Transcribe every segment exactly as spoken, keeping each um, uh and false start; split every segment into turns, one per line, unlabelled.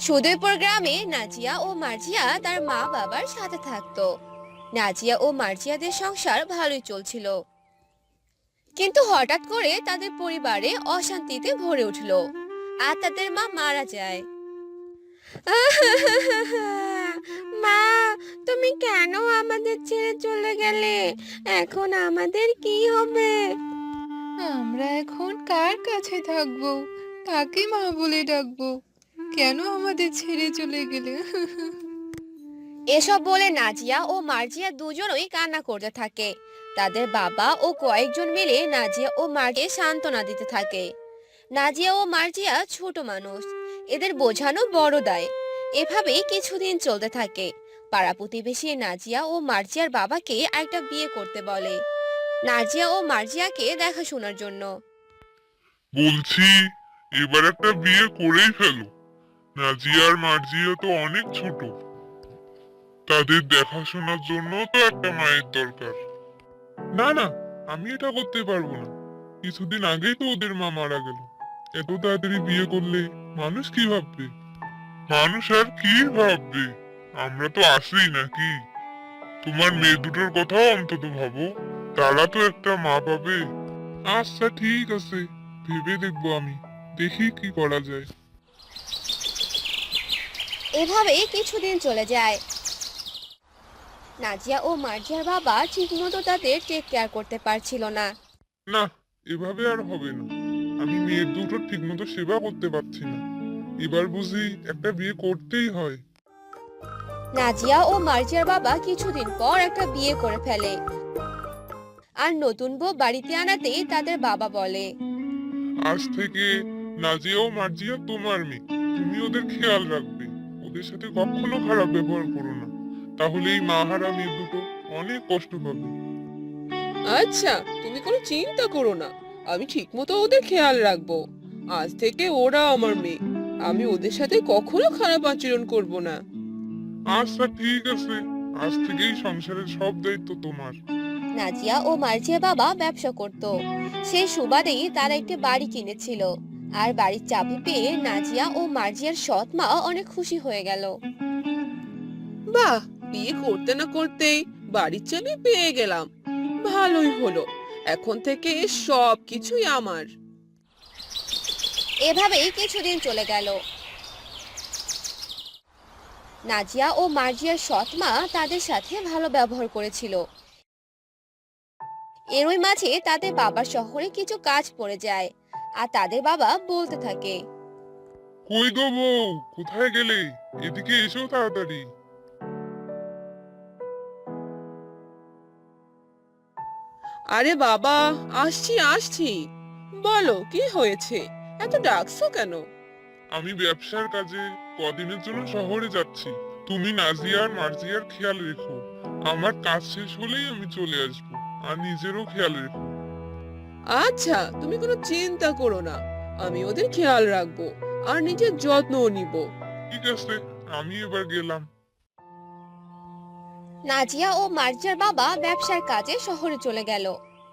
সুদূরপুর গ্রামে নাজিয়া ও মার্জিয়া তার মা বাবার সাথে থাকতো। নাজিয়া ও মার্জিয়াদের সংসার ভালোই চলছিল, কিন্তু হঠাৎ করে তাদের পরিবারে অশান্তিতে ভরে উঠলো আর তাদের মা মারা যায়। মা, তুমি কেন আমাদের ছেড়ে চলে গেলে? এখন আমাদের কি হবে?
আমরা এখন কার কাছে থাকবো? কাকে মা বলে ডাকবো? কেন আমাদের ছেড়ে চলে গেলে?
এসব বলে নাজিয়া ও মার্জিয়া দুজনই কান্না করতে থাকে। তাদের বাবা ও কয়েকজন মিলে নাজিয়া ও মাকে সান্ত্বনা দিতে থাকে। নাজিয়া ও মার্জিয়া ছোট মানুষ, এদের বোঝানো বড় দায়। এভাবেই কিছুদিন চলতে থাকে। পাড়া প্রতিবেশী নাজিয়া ও মার্জিয়ার বাবাকে একটা বিয়ে করতে বলে, নাজিয়া ও মার্জিয়াকে দেখাশোনার জন্য।
বলছি, এবার একটা বিয়ে করেই ফেলো। নাজিয়া আর মার্জিয়া তো অনেক ছোট, তাদের দেখাশোনার জন্য তো একটা মায়ের দরকার। না না, আমি এটা করতে পারবো না। কিছুদিন আগেই তো ওদের মা মারা গেল। এত তাড়াতাড়ি বিয়ে করলে মানুষ কি ভাববে? মানুষ আর কি ভাববে? আমরা তো আসি নাকি? তোমার মেয়ে দুটোর কথাও অন্তত ভাবো, তারা তো একটা মা পাবে। আচ্ছা ঠিক আছে, ভেবে দেখবো আমি, দেখি কি করা যায়।
এভাবেই কিছুদিন চলে যায়। নাজিয়া ও মার্জিয়ার বাবা ঠিকমতো তাদের টেক কেয়ার করতে পারছিল না।
না, এভাবে আর হবে না। আমি মেয়ের দুটো ঠিকমতো সেবা করতে পারছি না। এবার বুঝি একটা বিয়ে করতেই হয়।
নাজিয়া ও মার্জিয়ার বাবা কিছুদিন পর একটা বিয়ে করে ফেলে। আর নতুন বউ বাড়িতে আনাতেই তাদের বাবা বলে,
আজ থেকে নাজিয়া ও মার্জিয়া তোমার মেয়ে। তুমি ওদের খেয়াল রাখবে, ওদের সাথে কখনো খারাপ ব্যবহার করো না। তাহলে এই মাহারা মেয়ে দুটো অনেক কষ্ট পাবে।
আচ্ছা, তুমি কোনো চিন্তা করো না, আমি ঠিকমতো ওদের খেয়াল রাখবো। আজ থেকে ওরা আমার মেয়ে, আমি ওদের সাথে কখনো খারাপ আচরণ করব না।
আচ্ছা ঠিক আছে, আজ থেকেই সংসারের সব দায়িত্ব তোমার।
নাজিয়া ও মার্জিয়ার বাবা ব্যবসা করত। সেই সুবাদেই তারা একটি বাড়ি কিনেছিল। আর বাড়ির চাবি পেয়ে নাজিয়া ও মার্জিয়ার সৎ মা অনেক খুশি হয়ে গেল।
বাহ, বিয়ে করতে না করতেই বাড়ির চাবি পেয়ে গেলাম। ভালোই হলো, এখন থেকে সব কিছুই আমার।
এভাবেই কিছুদিন চলে গেল। নাজিয়া ও মার্জিয়ার সৎ মা তাদের সাথে ভালো ব্যবহার করেছিল। এরই মাঝে তাদের বাবার শহরে কিছু কাজ পড়ে যায়। আর তাদের বাবা বলতে থাকে,
কই গো বউ, কোথায় গেলে? এদিকে এসো তাড়াতাড়ি।
আরে বাবা, আসছি আসছি। বলো কি হয়েছে, এত ডাকছো কেন?
আমি ব্যবসার কাজে কদিনের জন্য শহরে যাচ্ছি। তুমি নাজিয়া আর মার্জিয়ার খেয়াল রেখো। আমার কাজ শেষ হলেই আমি চলে আসবো। আর নিজেরও খেয়াল রেখো।
আচ্ছা, তুমি কোনো চিন্তা করো না, আমি ওদের খেয়াল রাখবো আর নিজের যত্নও নিব।
ঠিক আছে, আমি এবার গেলাম।
নাজিয়া ও মার্জিয়ার বাবা ব্যবসার কাজে শহরে চলে গেল।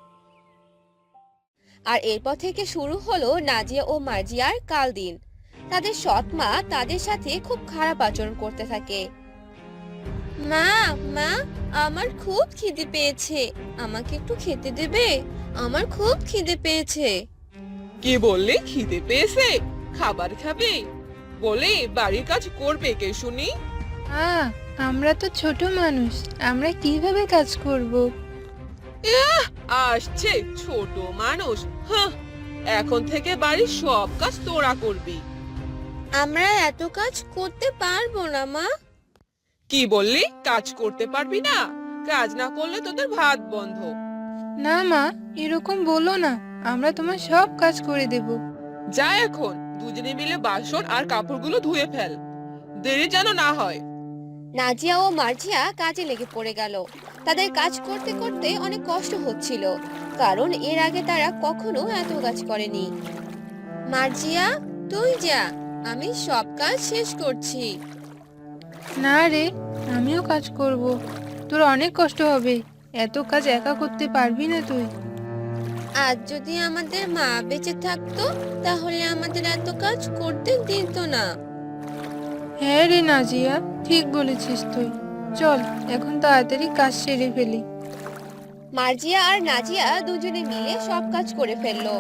আর এরপর থেকে শুরু হলো নাজিয়া ও মার্জিয়ার কাল দিন। তাদের সৎ মা তাদের সাথে খুব খারাপ আচরণ করতে থাকে। মা, মা, আমার খুব খিদে পেয়েছে, আমাকে একটু খেতে দেবে? আমার খুব খিদে পেয়েছে।
কে বললে খিদে পেয়েছে? খাবার খাবে বলে বাড়ির কাজ করবে কে শুনি?
আ আমরা তো ছোট মানুষ, আমরা কিভাবে কাজ করব?
আহ, আসছে ছোট মানুষ। হাহ, এখন থেকে বাড়ির সব কাজ তোরা করবি।
আমরা এত কাজ করতে পারবো না মা।
কি বললি কাজ করতে পারবি না? কাজ না করলে তোদের ভাত বন্ধ।
না মা, এরকম বলো না, আমরা তোমার সব কাজ করে দেব।
যা এখন দুজনে মিলে বাসন আর কাপড়গুলো ধুয়ে ফেল, দেরি যেন না হয়।
নাজিয়া ও মার্জিয়া কাজে লেগে পড়ে গেল। তাদের কাজ করতে করতে অনেক কষ্ট হচ্ছিল, কারণ এর আগে তারা কখনো এত কাজ করেনি। মার্জিয়া, তুই যা, আমি সব কাজ শেষ করছি।
না রে, আমিও কাজ করব। তোর অনেক কষ্ট হবে, এত কাজ একা করতে পারবি না তুই।
আজ যদি আমাদের মা বেঁচে থাকতো, তাহলে আমাদের এত কাজ করতে দিত না।
হ্যাঁ রে নাজিয়া, ঠিক বলেছিস তুই। চল এখন তাড়াতাড়ি কাজ সেরে ফেলি।
মার্জিয়া আর নাজিয়া দুজনে মিলে সব কাজ করে ফেললো।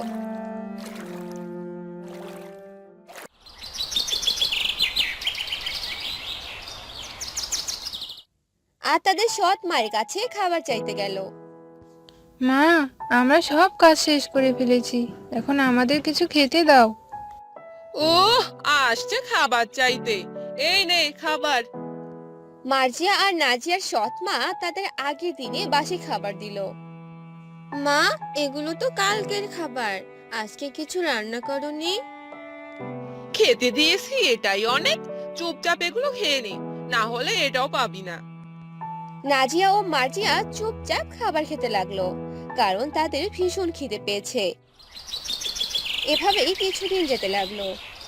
আর তাদের সৎ মায়ের কাছে খাবার চাইতে গেল।
মা, আমরা সব কাজ শেষ করে ফেলেছি, এখন আমাদের কিছু খেতে দাও।
ও, আসছে খাবার চাইতে। এই নে খাবার।
মার্জিয়া আর নাজিয়ার সৎ মা তাদের আগের দিনে বাসি খাবার দিল। মা, এগুলো তো কালকের খাবার, আজকে কিছু রান্না করনি?
খেতে দিয়েছি, এটাই অনেক। চুপচাপ এগুলো খেয়ে নে, না হলে এটাও পাবি না।
নাজিয়া ও মার্জিয়া চুপচাপ খাবার খেতে লাগলো, কারণ তাদের ভীষণ খিদে পেয়েছে। এভাবেই কিছুদিন যেতে লাগলো।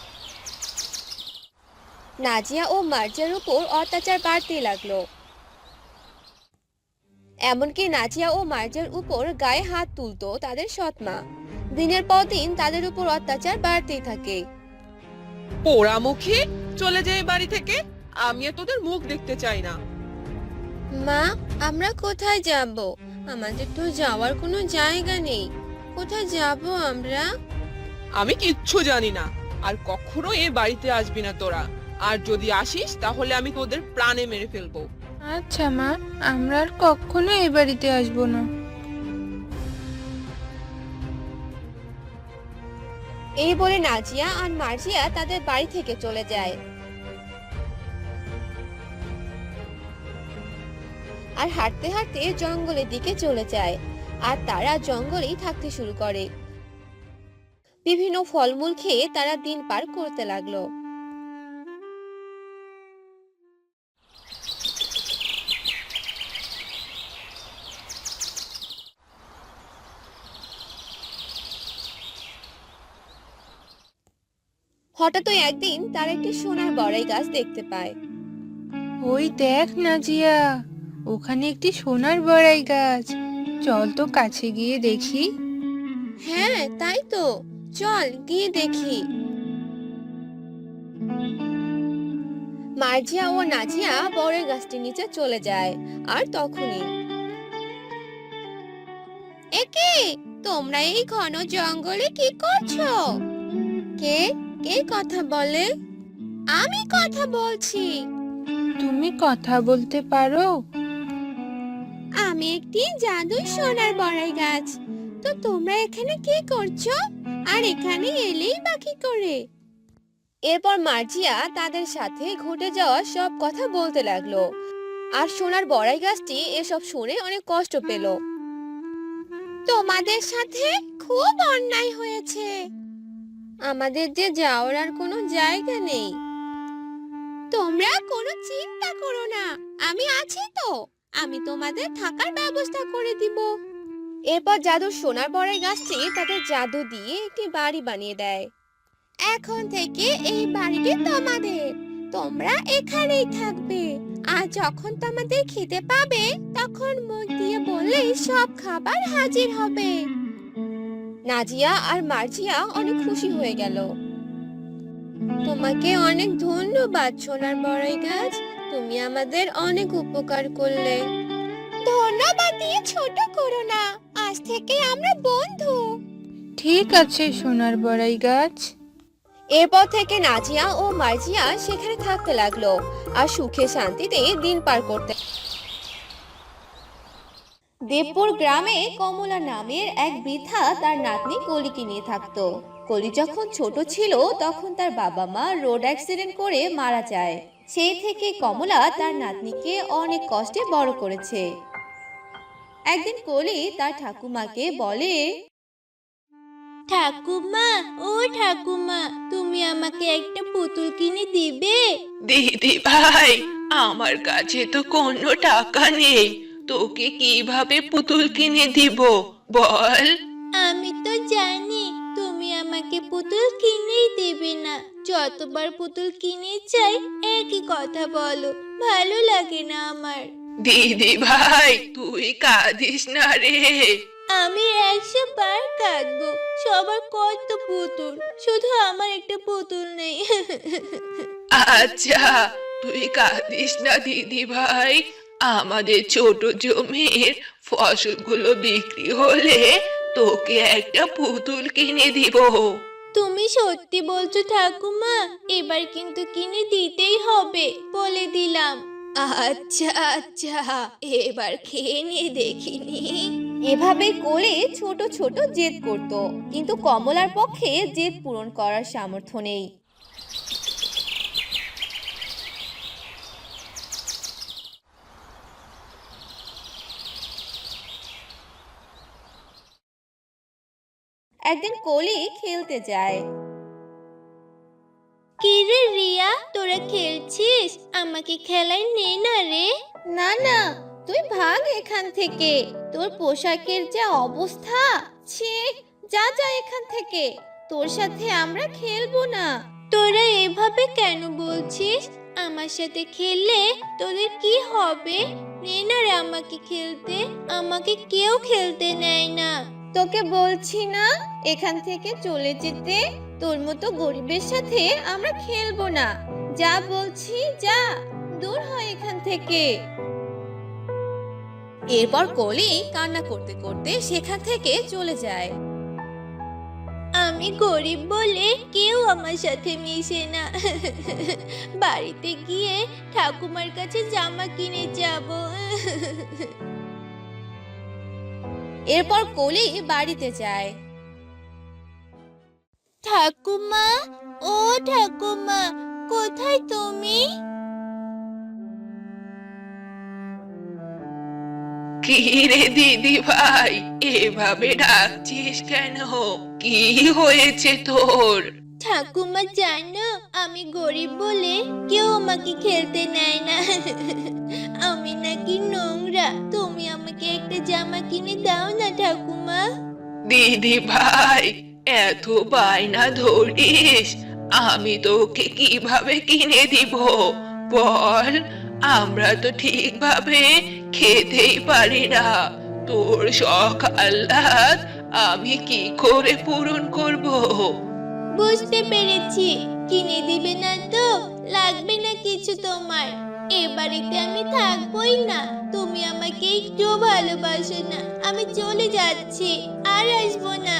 নাজিয়া ও মার্জিয়ার উপর অত্যাচার বাড়তে লাগলো। এমনকি নাজিয়া ও মার্জিয়ার উপর গায়ে হাত তুলতো তাদের সৎমা। দিনের পর দিন তাদের উপর অত্যাচার বাড়তেই থাকে।
পোড়া মুখে চলে যায় বাড়ি থেকে। আমি আর তোদের মুখ দেখতে চাই না।
মা, আমরা কোথায় যাব? আমাদের তো যাওয়ার কোনো জায়গা নেই। কোথায় যাব আমরা?
আমি কিচ্ছু জানি না, আর কখনো এ বাড়িতে আসবি না তোরা। আর যদি আসিস তাহলে আমি তোদের প্রাণে মেরে ফেলবো।
আচ্ছা মা, আমরা আর কখনো এই বাড়িতে আসবো না।
এই বলে নাজিয়া আর মার্জিয়া তাদের বাড়ি থেকে চলে যায়। আর হাঁটতে হাঁটতে জঙ্গলের দিকে চলে যায়। আর তারা জঙ্গলেই থাকতে শুরু করে। বিভিন্ন ফলমূল খেয়ে তারা দিন পার করতে লাগলো। হঠাৎই একদিন তারা একটি সোনার বড়াই গাছ দেখতে পায়।
ওই দেখ নাজিয়া, ওখানে একটি সোনার বড়াই গাছ। চল তো কাছে গিয়ে দেখি।
হ্যাঁ, তাই তো, চল গিয়ে দেখি। মার্জিয়া ও নাজিয়া বড়ই গাছটির নিচে চলে যায়। আর তখনই, একে, তোমরা এই ঘন জঙ্গলে কি করছো? কে কে কথা বলে? আমি কথা বলছি।
তুমি কথা বলতে পারো?
আমি একটি জাদুই সোনার বড়াই গাছ। তো তোমরা এখানে কি করছো? আর এখানে এলেই বা কি করে? এরপর মার্জিয়া তাদের সাথে ঘটে যাওয়া সব কথা বলতে লাগলো। আর সোনার বড়াই গাছটি এসব শুনে অনেক কষ্ট পেল। তোমাদের সাথে খুব অন্যায় হয়েছে। আমাদের যে যাওয়ার আর কোনো জায়গা নেই। তোমরা কোনো চিন্তা করো না, আমি আছি তো। আমি তোমাদের থাকার ব্যবস্থা করে দিব। এরপর জাদুর সোনার বড়াই গাছটি তাদের জাদু দিয়ে একটি বাড়ি বানিয়ে দেয়। এখন থেকে এই বাড়িটি তোমাদের। তোমরা এখানেই থাকবে। আর যখন তোমাদের খেতে পাবে, তখন মুখ দিয়ে বললেই সব খাবার হাজির হবে। নাজিয়া আর মার্জিয়া অনেক খুশি হয়ে গেল। তোমাকে অনেক ধন্যবাদ সোনার বড়াই গাছ, তুমি আমাদের অনেক উপকার করলে। ধন্যবাদ দিয়ে ছোট করো না, আজ থেকে আমরা বন্ধু।
ঠিক আছে সোনার বড়াই গাছ।
এরপর থেকে নাজিয়া ও মার্জিয়া সেখানে থাকতে লাগলো আর সুখে শান্তিতে দিন পার করতে। দেবপুর গ্রামে কমলা নামের এক বৃদ্ধা তার নাতনি কলিকে নিয়ে থাকতো। কলি যখন ছোট ছিল তখন তার বাবা মা রোড অ্যাক্সিডেন্ট করে মারা যায়। সেই থেকে কমলা তার নাতনিকে অনেক কষ্টে বড় করেছে। একদিন কলি তার ঠাকুমাকে বলে,
ঠাকুমা, ও ঠাকুমা, তুমি আমাকে একটা পুতুল কিনে দিবে?
দিদি ভাই, আমার কাছে তো কোনো টাকা নেই, তোকে কিভাবে পুতুল কিনে দিব বল?
আমি তো জানি তুমি আমাকে পুতুল কিনেই দেবে না। যতবার পুতুল কিনে চাই একই কথা বলো, ভালো লাগে না আমার।
দিদি ভাই, তুই কাঁদিস না রে।
আমি একশো বার কাঁদবো, সবার কত পুতুল, শুধু আমার একটা পুতুল নেই।
আচ্ছা, তুই কাঁদিস না দিদি ভাই। আমাদের ছোট জমির ফসলগুলো বিক্রি হলে তোকে একটা পুতুল কিনে দিব।
তুমি সত্যি বলছো ঠাকুমা? এবার কিন্তু কিনে দিতেই হবে, বলে দিলাম। আচ্ছা আচ্ছা, এবার খেয়ে নিয়ে দেখিনি।
এভাবে কোলে ছোট ছোট জেদ করত, কিন্তু কমলার পক্ষে জেদ পূরণ করার সামর্থ্য নেই। একদিন কলি খেলতে যায়।
কি রে রিয়া, তোরা খেলছিস? আমাকে খেলায় নে না রে।
না না, তুই ভাগ এখান থেকে, তোর পোশাকের যা অবস্থা, ছি, যা যা এখান থেকে, তোর সাথে আমরা খেলবো না।
তোরা এভাবে কেন বলছিস? আমার সাথে খেললে তোদের কি হবে? নে না রে আমাকে খেলতে, আমাকে কেউ খেলতে নেয় না।
তোকে বলছি না এখান থেকে চলে যেতে, তোর মতো গরিবের সাথে আমরা খেলবো না। যা বলছি যা, দূর হয় এখান থেকে। এরপর কলি কান্না করতে করতে সেখান থেকে চলে যায়।
আমি গরিব বলে কেউ আমার সাথে মিশে না। বাড়িতে গিয়ে ঠাকুমার কাছে জামা কিনে যাব।
এরপর কলি বাড়িতে যায়।
ঠাকুমা, ও ঠাকুমা, কোথায় তুমি?
কি রে দিদি ভাই, এভাবে ডাকছিস কেন? কি হয়েছে তোর?
ঠাকুমা জানো, আমি গরিব বলে কেউ আমাকে খেলতে নেয় না। আমি নাকি নোংরা। তুমি আমাকে একটা জামা কিনে দাও না ঠাকুমা।
দিদি ভাই, এত বায়না ধরিস, আমি তোকে কিভাবে কিনে দিব বল? আমরা তো ঠিকভাবে খেতেই পারি না, তোর শখ আহ্লাদ আমি কি করে পূরণ করব?
বুঝতে পেরেছি, কিনে দিবে না তো? লাগবে না কিছু তোমার। এ বাড়িতে আমি থাকবোই না। তুমি আমাকে একটু ভালোবাসো না। আমি চলে যাচ্ছি, আর আসবো না।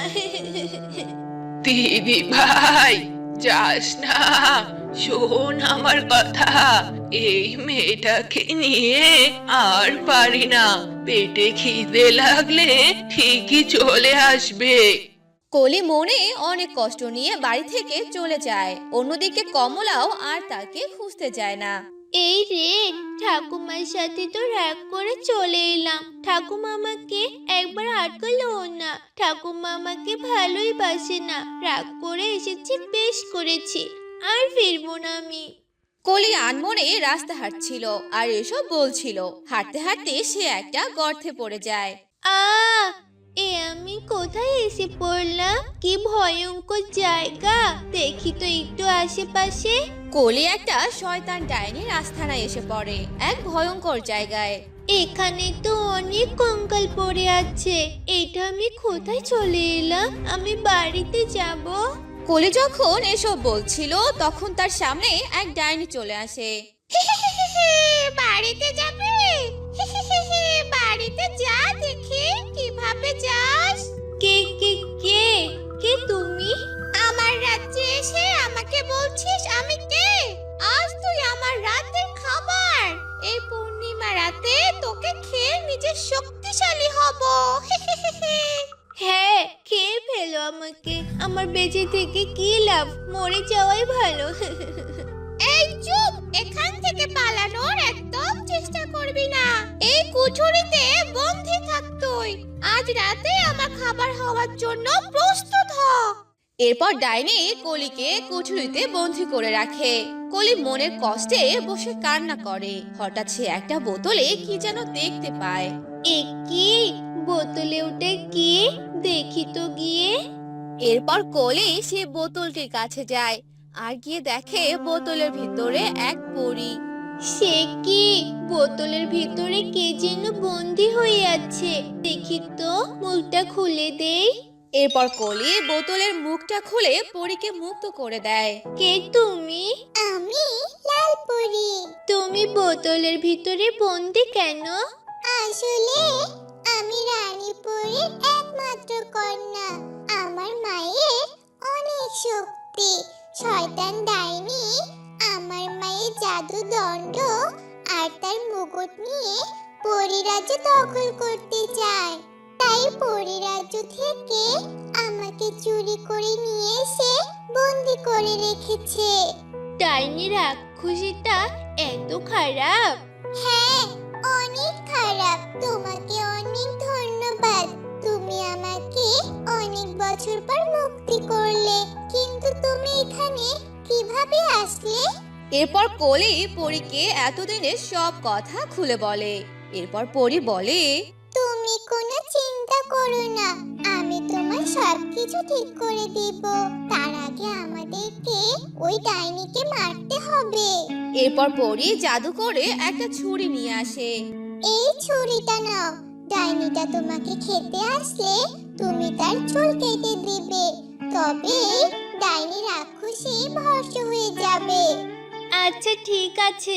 দিদি ভাই, যাস না, শোন আমার কথা। এই মেয়েটাকে নিয়ে আর পারি না, পেটে খিদে লাগলে ঠিকই চলে আসবে।
কলি মনে অনেক কষ্ট নিয়ে বাড়ি থেকে চলে যায়। অন্যদিকে কমলাও আর তাকে খুঁজতে যায় না।
এই রে, ঠাকুমার সাথে তো রাগ করে চলে এলাম। ঠাকুমা আমাকে একবার আটকালো না। ঠাকুমা আমাকে ভালোই বাসে না। রাগ করে এসেছি, বেশ করেছি, আর ফিরবো না আমি।
কলি আনমনে রাস্তা হাঁটছিল আর এসব বলছিল। হাঁটতে হাঁটতে সে একটা গর্তে পড়ে যায়।
আ এ আমি কোথায় এসে পড়লাম? কি ভয়ঙ্কর জায়গা! দেখি তো একটু আশেপাশে।
কলি একটা শয়তান ডাইনির আস্তানায় এসে পড়ে, এক ভয়ঙ্কর জায়গায়।
এখানে তো অনেক কঙ্কাল পড়ে আছে। এটা আমি কোথায় চলে এলাম? আমি বাড়িতে যাব।
কলি যখন এসব বলছিল তখন তার সামনে এক ডাইনি চলে আসে।
বাড়িতে যাবে? বাড়িতে যা, দেখি কিভাবে যাস। কে কে কে কে তুমি? আমার রাজ্যে এসে আমাকে বলছিস আমি কে? আজ তুই আমার রাতের খাবার। এই পূর্ণিমা রাতে তোকে খেয়ে নিজে শক্তিশালী হব। হ্যাঁ, খেয়ে ফেলো আমাকে। আমার বেঁচে থেকে কি লাভ? মরে যাওয়াই ভালো। এই চুপ! এখান থেকে পালানোর একদম চেষ্টা করবি না। এই কুঠুরিতে বন্দী থাক তুই। আজ রাতে আমার খাবার হওয়ার জন্য প্রস্তুত হ।
এরপর ডাইনি কলিকে কুঠুরিতে বন্দী করে রাখে। কলি মনের কষ্টে বসে কান্না করে। হঠাৎ সে একটা বোতলে কি যেন দেখতে পায়।
এ কি? বোতলে ওটা কি? দেখি তো গিয়ে।
এরপর কলি সে বোতলটির কাছে যায় আর গিয়ে দেখে বোতলের ভিতরে এক পরী।
সে কি? বোতলের ভিতরে কে যেন বন্দি হয়ে আছে। দেখি তো, মুখটা খুলে দেই।
এরপর কলি বোতলের মুখটা খুলে পরীকে মুক্ত করে দেয়।
কে তুমি? আমি লালপরি। তুমি বোতলের ভিতরে বন্দি কেন? আসলে আমি রানীপুরের একমাত্র কন্যা। আমার মায়ের অনেক শক্তি। শয়তান ডাইনি আমার মায়ের জাদু দণ্ড আর তার মুকুট নিয়ে পরিরাজ্য দখল করতে চায়। তাই পরিরাজ্য থেকে আমাকে চুরি করে নিয়ে এসে বন্দি করে রেখেছে। ডাইনি রাক্ষসীটা এত খারাপ? হ্যাঁ, অনেক খারাপ। তোমাকে অনেক ধন্যবাদ। তুমি আমাকে অনেক বছর পর মুক্তি করলে। কিন্তু তুমি এখানে কিভাবে আসলে?
এরপর কলি পরীকে এতদিনের সব কথা খুলে বলে। এরপর পরী বলে,
তুমি কোনো চিন্তা করো না, আমি তোমার সবকিছু ঠিক করে দিব। তার আগে আমাদেরকে ওই ডাইনিকে মারতে হবে।
এরপর পরী জাদু করে একটা ছুরি নিয়ে আসে।
এই ছুরিটা নাও। ডাইনিটা তোমাকে খেতে আসলে তুমি তার চুল কেটে দিবে। তবে ডাইনি রাক্ষসী ভস্ম হয়ে যাবে। আচ্ছা, ঠিক আছে।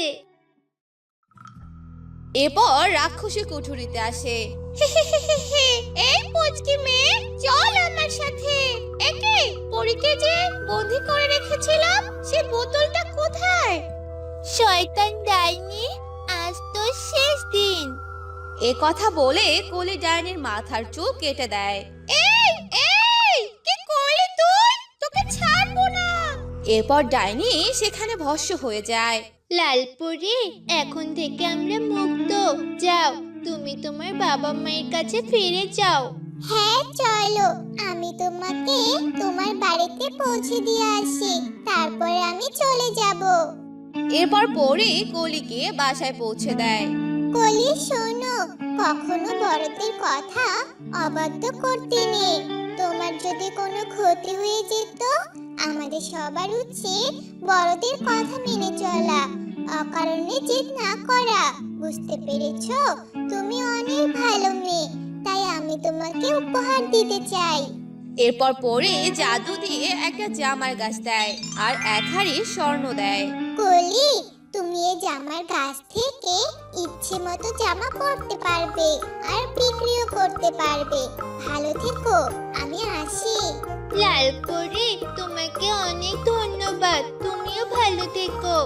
এরপর রাক্ষসী কুঠুরিতে আসে।
এই পুচকি মেয়ে, চল আমার সাথে। একে পরীকে যে বন্দি করে রেখেছিলাম, সে বোতলটা কোথায়? শয়তান ডাইনি, আজ তো শেষ দিন।
এ কথা বলে কলি ডাইনির মাথার চুল কেটে দেয়।
এই এই কি করলি তুই? তোকে ছাড়বো না।
এরপর ডাইনি সেখানে ভস্ম হয়ে যায়।
লালপুরি, এখন থেকে আমরা মুক্ত। যাও, তুমি তোমার বাবা মায়ের কাছে ফিরে যাও। হ্যাঁ, চলো। আমি তোমাকে তোমার বাড়িতে পৌঁছে দিয়ে আসি, তারপরে আমি চলে যাব।
এরপর পরী কলিকে বাসায় পৌঁছে দেয়।
কলি, শোনো, কখনো বড়দের কথা অবাধ্য করতে নেই। তোমার যদি কোনো ক্ষতি হয়ে যেত, আমাদের সবার উচিত বড়দের কথা মেনে চলা, অকারণে জেদ না করা। বুঝতে পেরেছো? তুমি অনেক ভালো মেয়ে, তাই আমি তোমাকে উপহার দিতে চাই।
এরপর পরী জাদু দিয়ে একটা জামার গাছ দেয় আর এক হাড়ি স্বর্ণ দেয়।
কলি, তুমি এই জামার গাছ থেকে ইচ্ছে মতো জামা পরতে পারবে আর বিক্রিও করতে পারবে। ভালো থেকো, আমি আসি। লালপরি, তোমাকে অনেক ধন্যবাদ। তুমিও ভালো থেকো।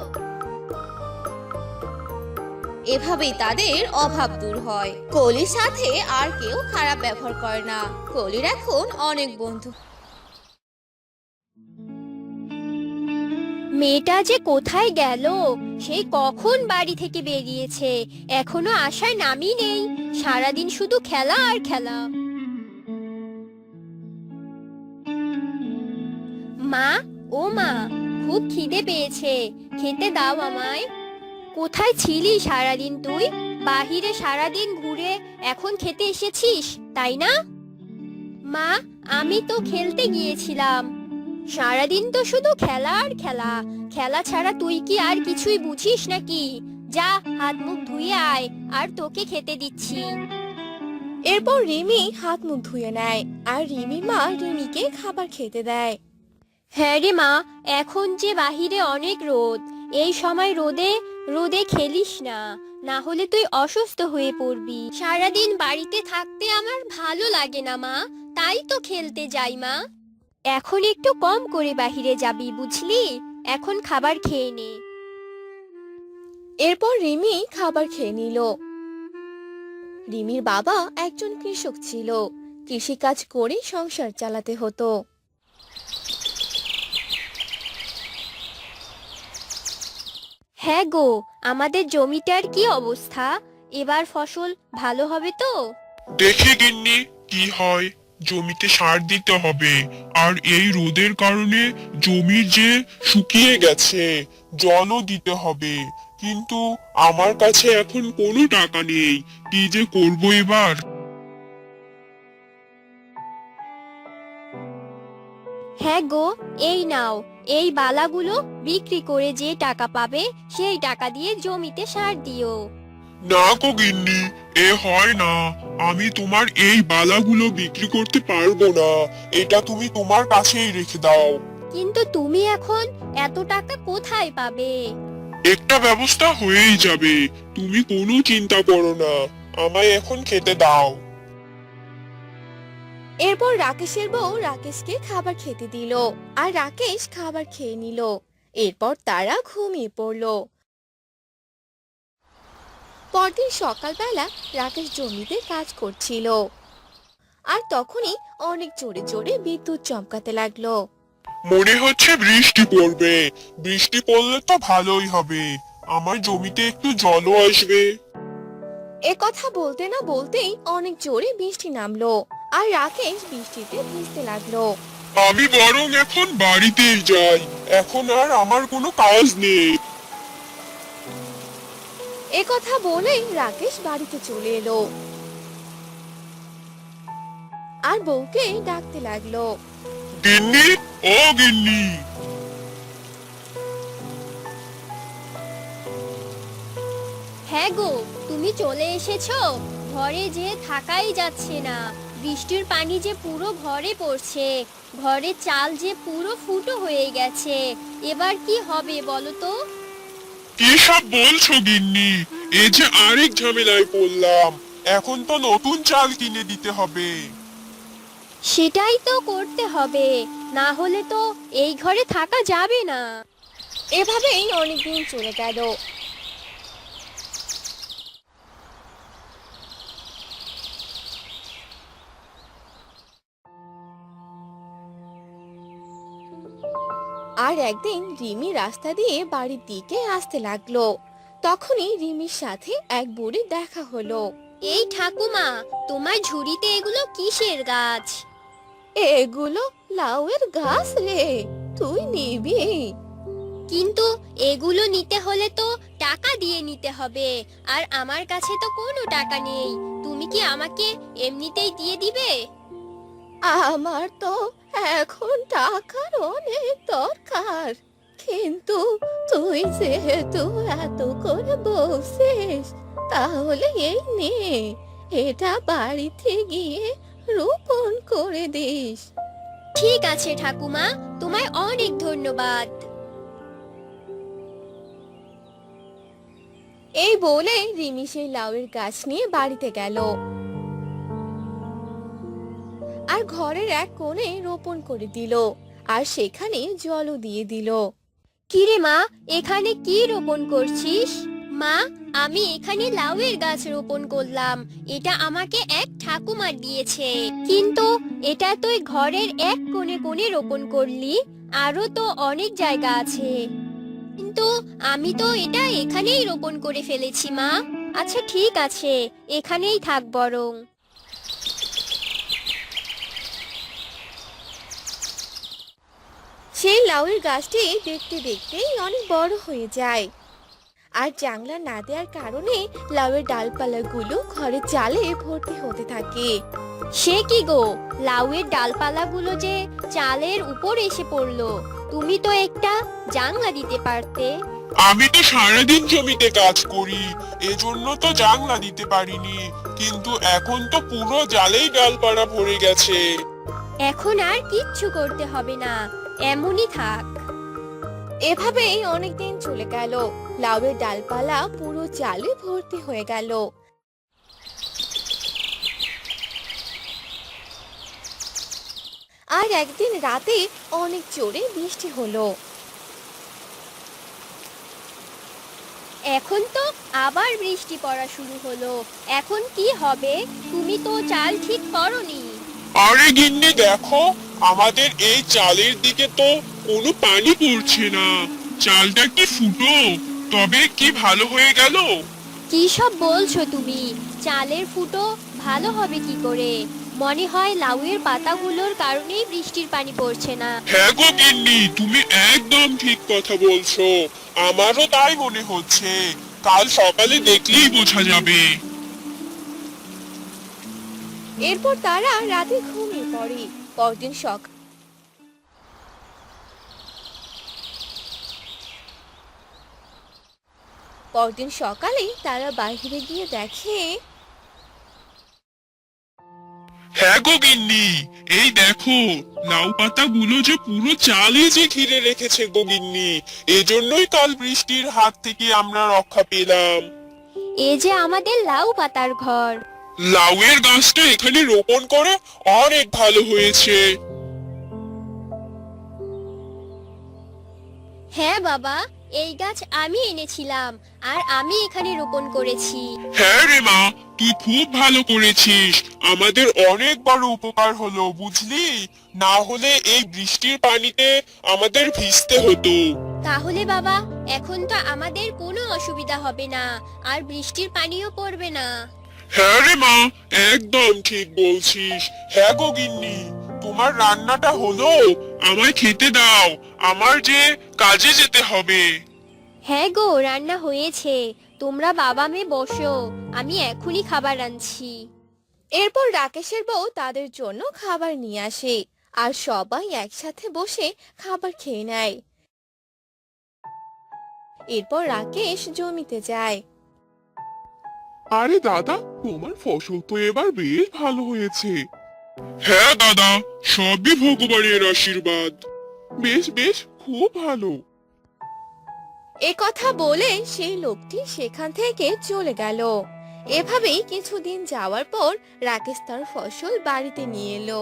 এভাবেই তাদের অভাব দূর হয়। কলির সাথে আর কেউ খারাপ ব্যবহার করে না। কলির এখন অনেক বন্ধু।
মেয়েটা যে কোথায় গেল? সেই কখন বাড়ি থেকে বেরিয়েছে, এখনো আসার নামই নেই। সারাদিন শুধু খেলা আর খেলা। মা, ও মা, খুব খিদে পেয়েছে, খেতে দাও আমায়। কোথায় ছিলি সারাদিন তুই? বাহিরে সারাদিন ঘুরে এখন খেতে এসেছিস, তাই না? মা, আমি তো খেলতে গিয়েছিলাম। সারাদিন তো শুধু খেলা আর খেলা। খেলা ছাড়া তুই কি আর কিছুই বুঝিস নাকি? যা, হাত মুখ ধুয়ে আয়, আর তোকে খেতে দিচ্ছি।
এরপর রিমি হাত মুখ ধুয়ে নেয় আর রিমির মা রিমিকে খাবার খেতে দেয়।
হ্যাঁ রে মা, এখন যে বাহিরে অনেক রোদ, এই সময় রোদে রোদে খেলিস না, না হলে তুই অসুস্থ হয়ে পড়বি। সারাদিন বাড়িতে থাকতে আমার ভালো লাগে না মা, তাই তো খেলতে যাই মা। এখন একটু কম করে বাহিরে যাবি, বুঝলি? এখন খাবার খেয়ে নে।
এরপর রিমি খাবার খেয়ে নিল। রিমির বাবা একজন কৃষক ছিল, কৃষিকাজ করে সংসার চালাতে হতো।
হ্যাঁ গো, আমাদের জমিটার কি অবস্থা? এবার ফসল ভালো হবে তো?
দেখে গিন্নি কি হয়। জমিতে সার দিতে হবে, আর এই রোদের কারণে জমি যে শুকিয়ে গেছে, জলও দিতে হবে। কিন্তু আমার কাছে এখন কোনো টাকা নেই, কি যে করব এবার।
হ্যাঁ গো, এই নাও, এই বালাগুলো বিক্রি করে যে টাকা পাবে সেই টাকা দিয়ে জমিতে সার দিও।
না গো গিন্নি, এ হয় না। আমি তোমার এই বালাগুলো বিক্রি করতে পারবো না, এটা তুমি তোমার কাছেই রেখে দাও।
কিন্তু তুমি এখন এত টাকা কোথায় পাবে?
একটা ব্যবস্থা হয়েই যাবে, তুমি কোনো চিন্তা করো না, আমায় এখন খেতে দাও।
এরপর রাকেশের বউ রাকেশকে খাবার খেতে দিল, আর রাকেশ খাবার খেয়ে নিল। এরপর তারা ঘুমিয়ে পড়ল। পরদিন সকালবেলা রাকেশ জমিতে কাজ করছিল, আর তখনই অনেক জোরে জোরে বিদ্যুৎ চমকাতে লাগলো।
মনে হচ্ছে বৃষ্টি পড়বে, বৃষ্টি পড়লে তো ভালোই হবে, আমার জমিতে একটু জলও আসবে।
এ কথা বলতে না বলতেই অনেক জোরে বৃষ্টি নামলো, আর রাকেশ বৃষ্টিতে ভিজতে লাগলো।
আমি বরং এখন বাড়িতেই যাই, এখন আর আমার কোনো কাজ নেই।
এ কথা বলেই রাকেশ বাড়িতে চলে এলো, আর বউকে ডাকতে লাগলো।
গিন্নি, ও গিন্নি।
হ্যাঁ গো, তুমি চলে এসেছো? ঘরে যে থাকাই যাচ্ছে না, বৃষ্টির পানি যে পুরো ঘরে পড়ছে, ঘরের চাল যে পুরো ফুটো হয়ে গেছে। এবার কি হবে বলো তো?
কি সব বলছো গিন্নি, এ যে আরেক ঝামেলায় পড়লাম, এখন তো নতুন চাল কিনে দিতে হবে।
সেটাই তো করতে হবে, না হলে তো এই ঘরে থাকা যাবে না।
এভাবেই অনেকদিন চলে গেল। আর একদিন রিমি রাস্তা দিয়ে বাড়ির দিকে আসতে লাগলো। তখনই রিমির সাথে এক বুড়ি দেখা হলো।
এই ঠাকুমা, তোমার ঝুড়িতে এগুলো কিসের গাছ?
এগুলো লাউয়ের গাছ রে, তুই নিবি?
কিন্তু এগুলো নিতে হলে তো টাকা দিয়ে নিতে হবে, আর আমার কাছে তো কোনো টাকা নেই। তুমি কি আমাকে এমনিতেই দিয়ে দিবে?
আমার তো এখন টাকার অনেক দরকার, কিন্তু তুই যেহেতু এত করে বলছিস, তাহলে এই নে, এটা বাড়িতে গিয়ে রোপণ করে দিস।
ঠিক আছে ঠাকুমা, তোমায় অনেক ধন্যবাদ।
এই বলে রিমি সেই লাউয়ের গাছ নিয়ে বাড়িতে গেল, আর ঘরের এক কোণে রোপণ করে দিল, আর সেখানে জলও দিয়ে দিল।
কিরে মা, এখানে কি রোপণ করছিস? মা, আমি এখানে লাউয়ের গাছ রোপণ করলাম, এটা আমাকে এক ঠাকুমা দিয়েছে। কিন্তু এটা তুই ঘরের এক কোণে কোণে রোপণ করলি, আরো তো অনেক জায়গা আছে। কিন্তু আমি তো এটা এখানেই রোপণ করে ফেলেছি মা। আচ্ছা ঠিক আছে, এখানেই থাক বরং।
সেই লাউয়ের গাছটি দেখতে দেখতেই অনেক বড় হয়ে যায়, আর জাংলা না দেওয়ার কারণে লাউয়ের ডালপালাগুলো ঘরের চালে ভর্তি হতে থাকে।
সে কি গো, লাউয়ের ডালপালাগুলো যে চালের উপর এসে পড়লো। তুমি তো একটা জাংলা দিতে পারতে।
আমি তো সারাদিন জমিতে কাজ করি, এজন্য তো জানলা দিতে পারিনি, কিন্তু এখন তো পুরো জালেই ডালপালা ভরে গেছে।
এখন আর কিচ্ছু করতে হবে না, এমনই থাক।
এভাবেই অনেকদিন চলে গেল, লাউয়ের ডালপালা পুরো চালে ভর্তি হয়ে গেল। আর একদিন রাতে অনেক জোরে বৃষ্টি হলো।
এখন তো আবার বৃষ্টি পড়া শুরু হলো, এখন কি হবে? তুমি তো চাল ঠিক করনি।
আরে গিন্নি দেখো, আমাদের এই চালের দিকে তো কোনো পানি পড়ছে না, চালটা কি ফুটো? তবে কি ভালো হয়ে গেল?
কি সব বলছো তুমি? চালের ফুটো ভালো হবে কি করে? মনে হয় লাউয়ের পাতাগুলোর কারণেই বৃষ্টির পানি পড়ছে না।
হ্যাঁ গো গিন্নি, তুমি একদম ঠিক কথা বলছো, আমারও তাই মনে হচ্ছে, কাল সকালে দেখলেই বোঝা যাবে।
এরপর তারা রাতে ঘুমিয়ে পড়ে। পরদিন সকাল পরদিন সকালে তারা বাইরে গিয়ে দেখে
হ্যাঁ গো গিন্নি, এই দেখো লাউ পাতাগুলো যে পুরো চালে যে ঘিরে রেখেছে গো গিন্নি, এজন্যই কাল বৃষ্টির হাত থেকে আমরা রক্ষা পেলাম।
এ যে আমাদের লাউ পাতার ঘর।
লাউয়ের গাছটা এখানে রোপণ করে অনেক ভালো হয়েছে।
হ্যাঁ বাবা, এই গাছ আমি এনেছিলাম আর আমি এখানে রোপণ করেছি।
হ্যাঁ রে মা, তুই খুব ভালো করেছিস, আমাদের অনেক বড় উপকার হলো বুঝলি, না হলে এই বৃষ্টির পানিতে আমাদের ভিজতে হতো।
তাহলে বাবা, এখন তো আমাদের কোনো অসুবিধা হবে না, আর বৃষ্টির পানিও পড়বে না।
হ্যাঁ রে মা, একদম ঠিক বলছিস। হ্যাঁ গো গিন্নি, তোমার রান্নাটা হলো, আমায় খেতে দাও, আমার যে কাজে যেতে হবে।
হ্যাঁ গো, রান্না হয়েছে, তোমরা বাবা মেয়ে বসো, আমি এখনই খাবার আনছি।
এরপর রাকেশের বউ তাদের জন্য খাবার নিয়ে আসে আর সবাই একসাথে বসে খাবার খেয়ে নেয়। এরপর রাকেশ জমিতে যায়।
আরে দাদা, তোমার ফসল তো এবার বেশ ভালো হয়েছে। হ্যাঁ দাদা, সবই ভগবানের আশীর্বাদ। বেশ বেশ, খুব ভালো।
এ কথা বলে সেই লোকটি সেখান থেকে চলে গেল। এভাবেই কিছুদিন যাওয়ার পর রাকেশ তার ফসল বাড়িতে নিয়ে এলো।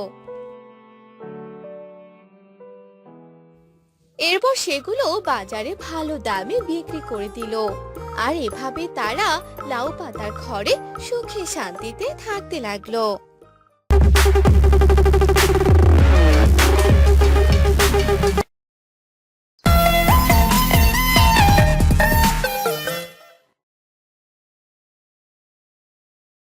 এরপর সেগুলো বাজারে ভালো দামে বিক্রি করে দিল। আর এভাবে তারা লাউ পাতার ঘরে সুখে শান্তিতে থাকতে লাগলো।